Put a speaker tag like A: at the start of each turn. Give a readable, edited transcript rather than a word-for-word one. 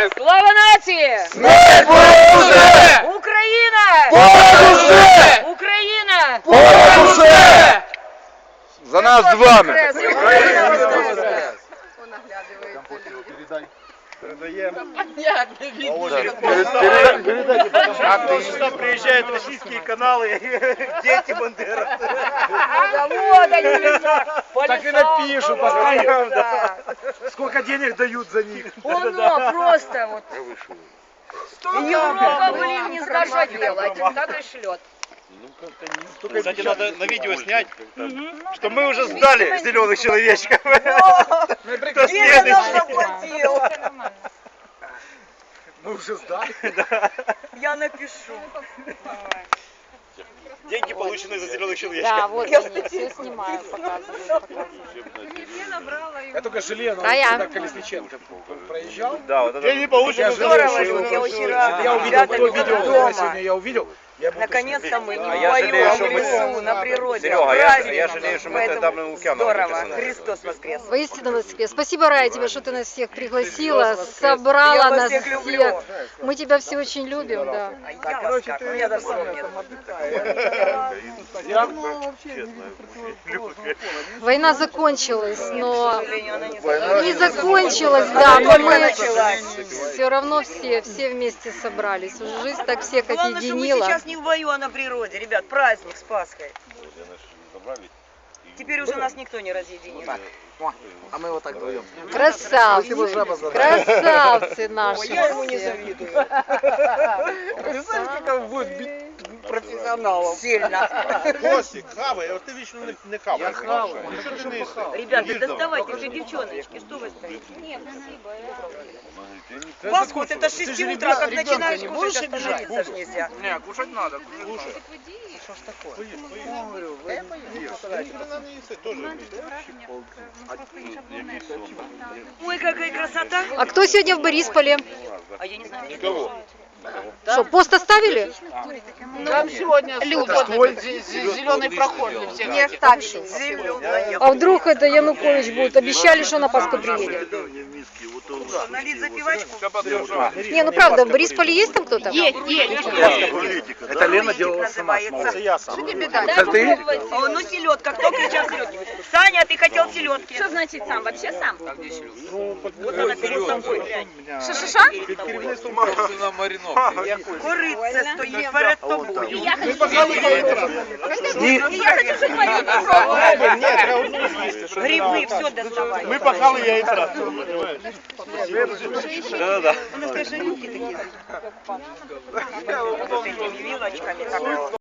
A: Слава нації!
B: Смерть вороже!
A: Україна!
B: Понад усе!
A: Україна!
B: Понад усе! За нас з вами!
C: Сюда приезжают российские каналы, дети бандеровцы.
A: Вот они лежат.
C: Так и напишут, постоянно. Сколько денег дают за них.
A: Оно просто вот. Европа, блин, не сдаша делать. Так и шлет.
C: Кстати, надо на видео снять, что мы уже сдали зеленых человечков. Кто следующий? Мы уже сдали?
A: Я напишу.
C: Деньги получены за зеленых
D: Да,
C: человечков.
D: вот они, все снимают, показывают.
E: Я только жалею, но
D: Рая.
E: когда Колесниченко проезжал.
C: Да, вот это. Деньги получены за
A: Здорово,
C: зеленых
A: что я
C: человечков.
A: очень рада.
E: Я увидел то видео,
A: Ребятами
E: которое
A: дома.
E: сегодня я увидел. Я был
A: Наконец-то мы не
C: А я жалею,
A: вдвоем,
C: что
A: в
C: мы-
A: лесу, на природе.
C: Серега, я
A: Праздник.
C: жалею, что мы
A: Поэтому
C: тогда в Лукьяново
A: здорово.
C: написано.
A: Христос воскрес.
D: Воистину воскрес. Спасибо, Рая, тебе, что ты нас всех пригласила,
A: Я
D: собрала
A: вас
D: нас
A: всех
D: всех.
A: люблю.
D: Мы тебя все очень любим, да.
A: А я вас как? У меня даже слов нет.
D: Война закончилась,
A: К
D: но
A: сожалению, она не закончилась.
D: не закончилась, да, но
A: только
D: мы
A: началась.
D: все равно все вместе собрались. Жизнь так всех
A: Главное, что мы
D: объединила.
A: сейчас не в бою, а на природе. Ребят, праздник с Пасхой. Теперь уже нас никто не разъединит.
E: А мы вот так вдвоем.
D: Красавцы, красавцы наши.
A: Я ему не
D: все.
A: завидую.
E: Представляешь, как он будет бить профессионалов.
A: Сильно.
F: Костик, хавай, а ти вічно не хаваєш.
E: Я хаваю.
F: Ну що ти не їсти?
A: Ребята, доставайте уже, девчоночки, что вы стоите? Вас вот это с 6 утра, как начинаешь кушать, остановиться ж нельзя.
E: Не, кушать надо.
F: Слушай, вона не їсти, теж.
A: Ой, какая красота.
D: А кто сегодня в Борисполе?
A: А я не знаю.
F: Никого.
D: Что, пост оставили?
E: Там сегодня
F: Зеленый проход.
A: Не оставили. Зеленая.
D: А вдруг это Янукович будет? Обещали, что на Пасху приедет.
A: Налить запивачку?
D: Не, ну правда, в Борисполе есть там кто-то?
E: Это Лена делала сама.
A: Называется.
E: Я сам.
A: Это
E: ты?
A: Ну, селедка. Кто кричал селедки? Саня, ты хотел селедки.
D: Что значит сам? Вообще сам?
A: Вот она перед тобой.
D: Ша-ша-ша?
A: Куриця стоїть перед тобою.
D: Я хочу
A: Гриби, все доставай.
F: Ми пахали яйця.
C: Да-да-да.
A: У нас кошелюки такі. З цими вилочками. Так.